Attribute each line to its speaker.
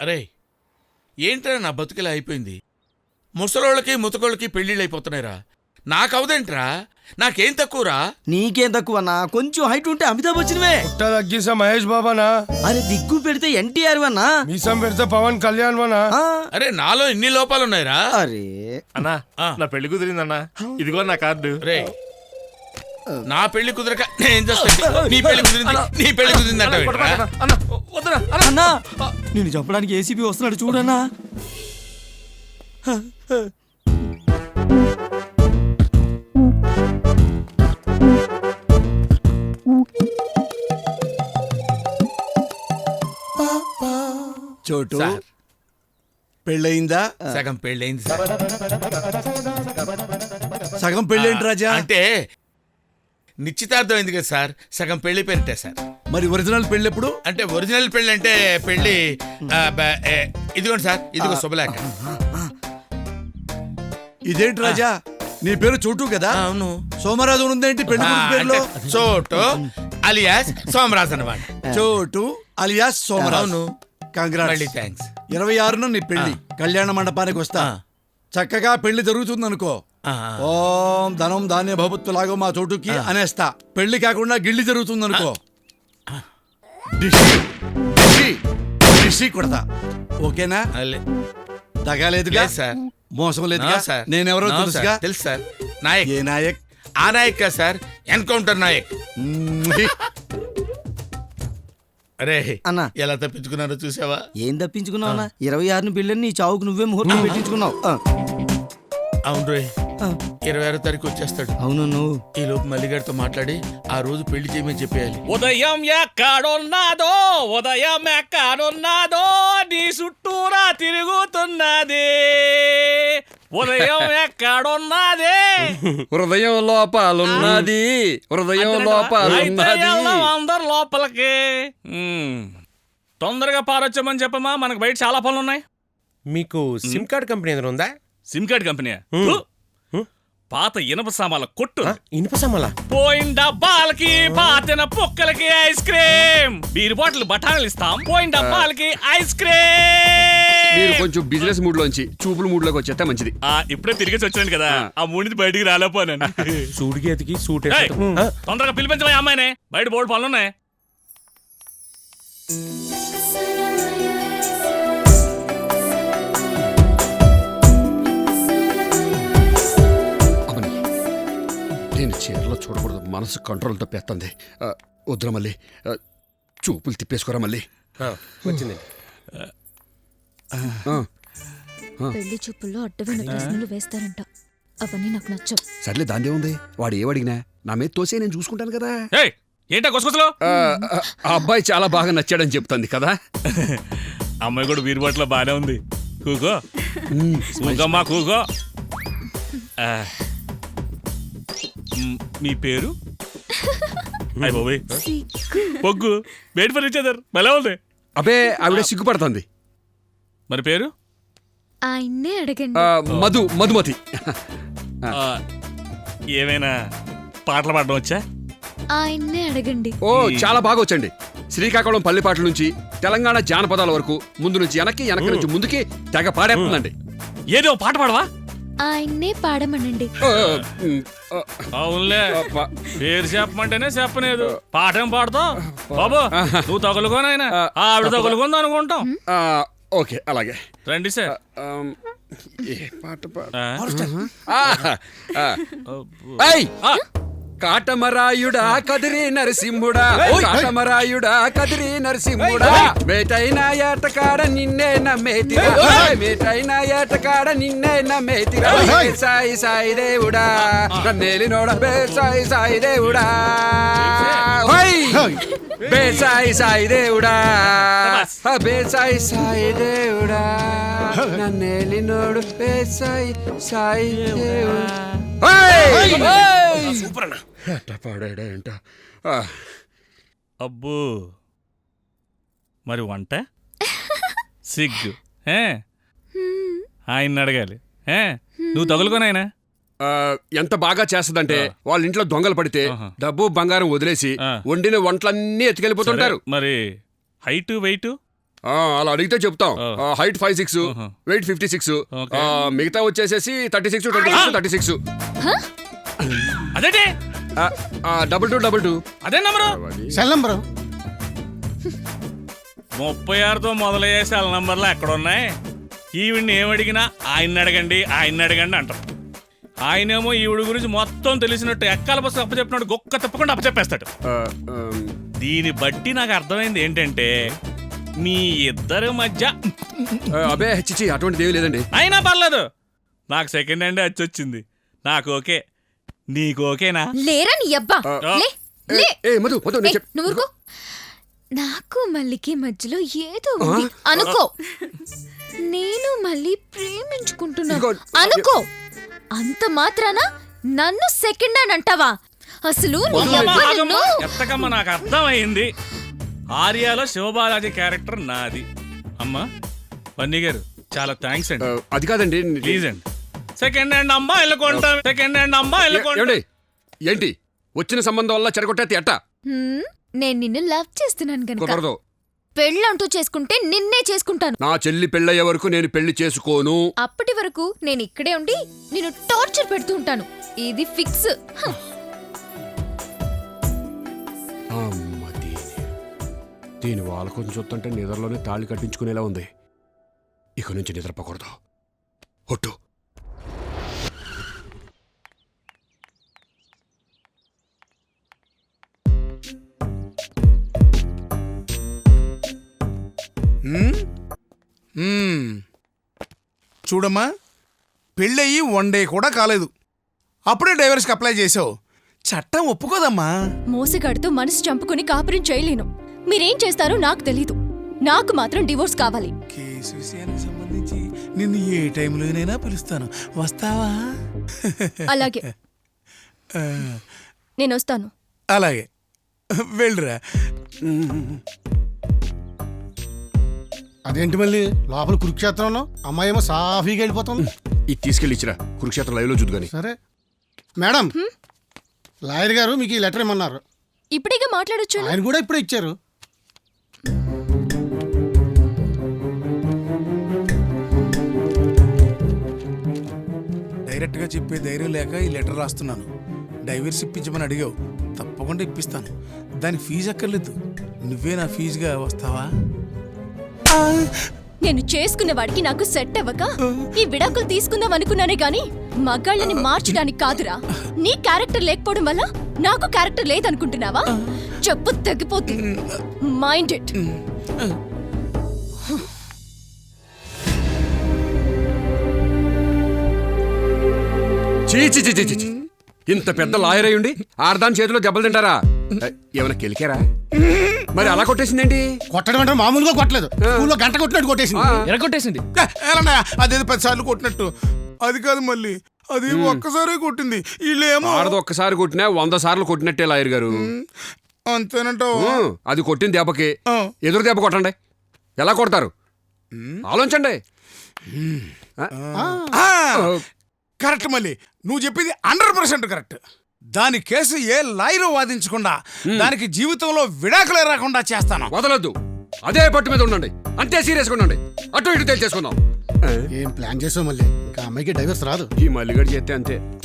Speaker 1: అరే ఏంట్రా నా బతుకిలా అయిపోయింది. ముసలోళ్ళకి ముతకోళ్ళకి పెళ్ళిళ్ళు అయిపోతున్నాయిరా. నాకవదేంట్రా? నాకేం తక్కువరా?
Speaker 2: నీకేం తక్కువ అన్నా? కొంచెం హైట్ ఉంటే అమితాబ్ బచ్చన్వే.
Speaker 3: తగ్గేసా మహేష్ బాబానా?
Speaker 2: అరే దిగ్గు పెడితే ఎన్టీఆర్ వన్నా.
Speaker 3: మీసం పెడితే పవన్ కళ్యాణ్ వనా?
Speaker 1: అరే నాలో ఇన్ని లోపాలున్నాయిరా.
Speaker 2: అరే
Speaker 4: అన్నా నా పెళ్లి కుదిరిందన్నా, ఇదిగో నా కార్డు.
Speaker 1: రే నా పెళ్లి కుదరక నేను చేస్తా. నీ పెళ్లి కుదిరింది, నీ పెళ్లి కుదిరిందంట.
Speaker 2: అన్నా నిన్ను చంపడానికి ఏసీపీ వస్తున్నాడు చూడన్నా.
Speaker 5: చోటు పెళ్ళయిందా?
Speaker 1: సగం పెళ్ళయింది సార్.
Speaker 5: సగం పెళ్ళేంటి రాజా?
Speaker 1: అంటే నిశ్చితార్థం అయింది కదా సార్, సగం పెళ్లి పేరిటే సార్.
Speaker 5: మరి ఒరిజినల్ పెళ్ళి ఎప్పుడు?
Speaker 1: అంటే ఒరిజినల్ పెళ్లి అంటే పెళ్లి ఇదిగోండి సార్, ఇదిగో శుభలేఖ.
Speaker 5: ఇదేంటి రాజా, నీ పేరు చోటు కదా?
Speaker 1: అవును.
Speaker 5: సోమరాజు ఉందేంటి పెళ్లి పేరులో?
Speaker 1: చోటు అలియాస్ సోమరాజు అన్నమాట.
Speaker 5: చోటు అలియాస్ సోమరాజు.
Speaker 1: అవును.
Speaker 5: కంగ్రాట్స్.
Speaker 1: థ్యాంక్స్.
Speaker 5: 26న నీ పెళ్లి. కళ్యాణ మండపానికి వస్తా. చక్కగా పెళ్లి జరుగుతుంది అనుకో. ఓం ధనం ధాన్య భవత్తు లాగో మా చోటుకి అనేస్తా. పెళ్లి కాకుండా గిళ్ళి జరుగుతుంది అనుకో, డిషి కొడతా. ఓకేనా? తగాలేదుగా
Speaker 1: సార్,
Speaker 5: మోసం లేదుగా సార్. నేనెవరో తెలుసుగా?
Speaker 1: తెలుసు సార్. నాయక్.
Speaker 5: ఏ నాయక్?
Speaker 1: ఆ నాయక్ కదా సార్, ఎన్కౌంటర్ నాయక్. అరే
Speaker 2: అన్నా
Speaker 1: ఎలా తప్పించుకున్నారో చూసావా?
Speaker 2: ఏం తప్పించుకున్నావు అన్న? 26ని పెళ్ళని నీ చావుకు నువ్వే ముహూర్తం పెట్టించుకున్నావు.
Speaker 1: అవును రోయ్, 26వ తారీఖు వచ్చేస్తాడు.
Speaker 2: అవును. నువ్వు
Speaker 1: ఈ లోపు మల్లిగారితో మాట్లాడి ఆ రోజు పెళ్లి చేయమని చెప్పేయాలి.
Speaker 6: ఉదయం ఎక్కడున్నాదో, ఉదయం ఎక్కడున్నాదో, నీ చుట్టూరా తిరుగుతున్నది. ఉదయం ఎక్కడున్నది?
Speaker 7: హృదయం లోపాలున్నది, హృదయం లోపాలున్నది.
Speaker 6: అందరు లోపలికి తొందరగా పారొచ్చామని చెప్పమా, మనకు బయట చాలా పనులు ఉన్నాయి.
Speaker 4: మీకు సిమ్ కార్డ్ కంపెనీ ఏదైనా ఉందా?
Speaker 6: SIM card company? పాత ఇనప సామాన్ల కొట్టు.
Speaker 4: ఇనుప సామాన్లా?
Speaker 6: పోయిన డబ్బాలకి, పాతిన పుక్కలకి ఐస్ క్రీమ్, బీర్ బాటిల్ బఠానీలు ఇస్తాం. పోయిన డబ్బాలకి ఐస్ క్రీమ్.
Speaker 7: మీరు కొంచెం బిజినెస్ మూడ్ లోంచి చూపుల మూడ్ లోకి వచ్చేస్తే మంచిది.
Speaker 6: ఇప్పుడే తిరిగేసి వచ్చాను కదా, ఆ మూడిని బయటికి రాలేపోయాను.
Speaker 4: సూడికి ఎతికి సూట్
Speaker 6: తొందరగా పిలిపించమా అమ్మాయిని, బయట బోర్డు పనులున్నాయి.
Speaker 7: నేను చీరలో చూడకూడదు, మనసు కంట్రోల్ తప్పేస్తుంది. వద్దురా మళ్ళీ, చూపులు తిప్పేసుకోరా మళ్ళీ.
Speaker 4: వచ్చింది.
Speaker 8: పెళ్లి చూపుల్లో అడ్డమైన ప్రశ్నలు వేస్తారంట, అవన్నీ నాకు నచ్చవు.
Speaker 7: సర్లే దాందే ఉంది, వాడు ఏమడిగినా నా మీద తోసే నేను చూసుకుంటాను కదా.
Speaker 6: ఏంటా కొసకొసలు?
Speaker 7: ఆ అబ్బాయి చాలా బాగా నచ్చాడని చెప్తుంది కదా.
Speaker 6: అమ్మాయి కూడా బీర్ బాటిల్ బానే ఉంది. కూకో కూకమ్మా కూకో. మీ పేరు? పొగ్గు బయట ఫర్నిచర్ భలే ఉంది.
Speaker 7: అబ్బే ఆవిడ సిగ్గుపడుతుంది.
Speaker 6: మరి పేరు?
Speaker 8: ఆయన్నే అడగండి.
Speaker 7: మధుమతి.
Speaker 6: ఏమైనా పాటలు పాడడం వచ్చా?
Speaker 8: ఆయన్నే అడగండి.
Speaker 7: ఓ చాలా బాగా వచ్చండి. శ్రీకాకుళం పల్లెపాటల నుంచి తెలంగాణ జానపదాల వరకు ముందు నుంచి వెనక్కి, వెనక్కి నుంచి ముందుకి తెగ పాడేస్తుందండి.
Speaker 6: ఏదో పాట పాడవా?
Speaker 8: ఆయన్నే పాడమనండి.
Speaker 6: అవునులే, పేరు చెప్పమంటేనే చెప్పలేదు, పాఠం పాడతావు బాబు. నువ్వు తగులుకోనైనా ఆవిడ తగులుకుంది అనుకుంటాం.
Speaker 7: ఓకే అలాగే
Speaker 6: రండి సార్.
Speaker 7: ఏ పాట కాటమరాయుడా కదిరి నరసింహుడా, కాటమరాయుడా కదిరి నరసింహుడా, మేటైన ఏటకాడ నిన్నే నమ్మేతిరా, మేటైన ఏటకాడ నిన్నే నమ్మేతిరా, సాయి సాయి దేవుడా నన్నేలినోడ బే సాయి సాయి దేవుడా, బే సాయి సాయి దేవుడా, బే సాయి సాయి దేవుడా నన్నేలినోడు బే సాయి సాయి దేవుడా.
Speaker 6: సూపర్ అన్న.
Speaker 7: పాడాడంట.
Speaker 6: అబ్బో మరి వంట సిగ్గు ఆయన అడగాలి. నువ్వు తగులుకోనాయనా.
Speaker 7: ఎంత బాగా చేస్తదంటే వాళ్ళ ఇంట్లో దొంగలు పడితే డబ్బు బంగారం వదిలేసి వండిన వంటలన్నీ ఎత్తుకెళ్ళిపోతుంటారు.
Speaker 6: మరి హైటు వెయిట్?
Speaker 7: అలా అడిగితే చెప్తాం. Height 5'6", weight 56,
Speaker 6: Okay.
Speaker 7: మిగతా వచ్చేసేసి 36, 26, 36.
Speaker 6: అదేంటి
Speaker 7: 2222.
Speaker 6: అదే నంబరు
Speaker 3: సెల్ నంబరు
Speaker 6: 36తో మొదలయ్యే సెల్ నంబర్లు ఎక్కడున్నాయి? ఈవిడ్ని ఏమడిగినా ఆయన్ని అడగండి అంటాం. ఆయనేమో ఈవిడ గురించి మొత్తం తెలిసినట్టు ఎక్కాల బస్సు అప్పచెప్పినట్టు గొక్క తప్పకుండా అప్పచెప్పేస్తాడు. దీన్ని బట్టి నాకు అర్థమైంది ఏంటంటే మీ ఇద్దరి మధ్య
Speaker 7: అబే చిచి అటువంటిది ఏమీ లేదండి.
Speaker 6: అయినా పర్లేదు, నాకు సెకండ్ హ్యాండ్ వచ్చింది. నాకు ఓకే, నీకు ఓకేనా?
Speaker 8: లేరా నీ అబ్బా లే లే
Speaker 7: మధు మధు నేను చెప్-
Speaker 8: నువ్వు ఊరుకో. నాకు మల్లికి మధ్యలో ఏదో ఉంది అనుకో. నేను మళ్ళీ ప్రేమించుకుంటున్నాను
Speaker 7: ఇదిగో,
Speaker 8: అనుకో. అంత మాత్రాన నన్ను సెకండ్ అని అంటావా? అసలు నీ అబ్బా నిన్ను-
Speaker 6: ఎత్తకమ్మ నాకు అర్థమైంది. ఆర్యాలో శివబాలాజీ క్యారెక్టర్ నాది. అమ్మా పన్నీ గారు చాలా థ్యాంక్స్ అండి.
Speaker 7: అది కాదండి.
Speaker 6: ప్లీజ్ అండి, సెకండ్ హ్యాండ్ అమ్మాయిలు కొంటాం, సెకండ్ హ్యాండ్ అమ్మాయిలు కొంటాం.
Speaker 7: ఏమండి ఏంటి వచ్చిన సంబంధం వల్ల చెరగొట్టేది ఎట్టా?
Speaker 8: హ్మ్, నేను నిన్ను లవ్ చేస్తున్నాను గనుక
Speaker 7: కుదరదు.
Speaker 8: పెళ్ళంటూ చేసుకుంటే నిన్నే చేసుకుంటాను.
Speaker 7: నా చెల్లి పెళ్ళయ్యే వరకు నేను పెళ్లి చేసుకోను.
Speaker 8: అప్పటి వరకు నేను ఇక్కడే ఉండి నిన్ను టార్చర్ పెడుతూ ఉంటాను. ఇది ఫిక్స్.
Speaker 7: అమ్మ దీని వాళ్ళ కొంచెం చూస్తుంటే నిద్రలోనే తాళి కట్టించుకునేలా ఉంది. ఇక నుంచి నిద్రపోకూడదు. ఒట్టు.
Speaker 9: చూడమ్మా, పెళ్ళయి 1 డే కూడా కాలేదు, అప్పుడే డైవర్స్కి అప్లై చేసావు. చట్టం ఒప్పుకోదమ్మా.
Speaker 10: మోసగాడితో మనసు చంపుకుని కాపురం చేయలేను. మీరేం చేస్తారో నాకు తెలీదు. నాకు మాత్రం డివోర్స్ కావాలి.
Speaker 9: కేసు విషయానికి సంబంధించి నిన్ను ఏ టైంలోనైనా పిలుస్తాను, వస్తావా?
Speaker 10: అలాగే నేను వస్తాను.
Speaker 9: అలాగే వెళ్ళురా.
Speaker 3: అదేంటి మళ్ళీ లోపల కురుక్షేత్రంలో అమ్మాయి ఏమో సాఫీగా వెళ్ళిపోతుంది.
Speaker 7: ఇది తీసుకెళ్ళి ఇచ్చిరా, కురుక్షేత్రం లైవ్లో చూద్దు కానీ.
Speaker 3: సరే మేడం, లాయర్ గారు మీకు ఈ లెటర్ ఇమ్మన్నారు.
Speaker 10: ఇప్పుడేగా మాట్లాడొచ్చు.
Speaker 3: ఆయన కూడా ఇప్పుడే ఇచ్చారు.
Speaker 9: డైరెక్ట్గా చెప్పే ధైర్యం లేక ఈ లెటర్ రాస్తున్నాను. డైవర్స్ ఇప్పించమని అడిగావు, తప్పకుండా ఇప్పిస్తాను. దానికి ఫీజు అక్కర్లేదు, నువ్వే నా ఫీజుగా వస్తావా?
Speaker 10: నేను చేసుకున్న వాడికి నాకు సెట్ అవ్వక ఈ విడాకులు తీసుకుందాం అనుకున్నానే గాని మగాళ్ళని మార్చడానికి కాదురా. నీ క్యారెక్టర్ లేకపోవడం వల్ల నాకు క్యారెక్టర్ లేదనుకుంటున్నావా? చెప్పు తగ్గిపోతుంది. Mind it.
Speaker 7: చీ ఇంత పెద్ద లాయర్ అయ్యుండి ఆర్దాన్ చేతిలో దెబ్బలు తింటారా? ఏమైనా కెలికారా? మరి అలా కొట్టేసిందేంటి?
Speaker 3: కొట్టడం అంటే మామూలుగా కొట్టలేదు, స్కూల్లో గంట కొట్టినట్టు కొట్టేసింది.
Speaker 6: ఎరగొట్టేసింది.
Speaker 9: ఎలా అదేదో 10 సార్లు కొట్టినట్టు. అది కాదు మళ్ళీ, అది ఒక్కసారే కొట్టింది. వీళ్ళేమో
Speaker 7: ఆడది ఒక్కసారి కొట్టినా 100 సార్లు కొట్టినట్టే లాయర్ గారు.
Speaker 9: అంతేనంటావు?
Speaker 7: అది కొట్టిన దెబ్బకి ఎదురు దెబ్బ కొట్టండి. ఎలా కొడతారు ఆలోచించండి.
Speaker 9: కరెక్ట్ మళ్ళీ, నువ్వు చెప్పింది 100% కరెక్ట్. దాని కేసు ఏ లాయరు వాదించకుండా దానికి జీవితంలో విడాకులే రాకుండా చేస్తాను.
Speaker 7: వదలొద్దు, అదే పట్టు మీద ఉండండి. అంతే సీరియస్గా ఉండండి. అటు ఇటు తేల్చేసుకుందాం.
Speaker 3: ఏం ప్లాన్ చేసావు మళ్ళీ? ఇంకా అమ్మాయికి డైవర్స్ రాదు.
Speaker 7: ఈ మల్లిగడి చేస్తే అంతే.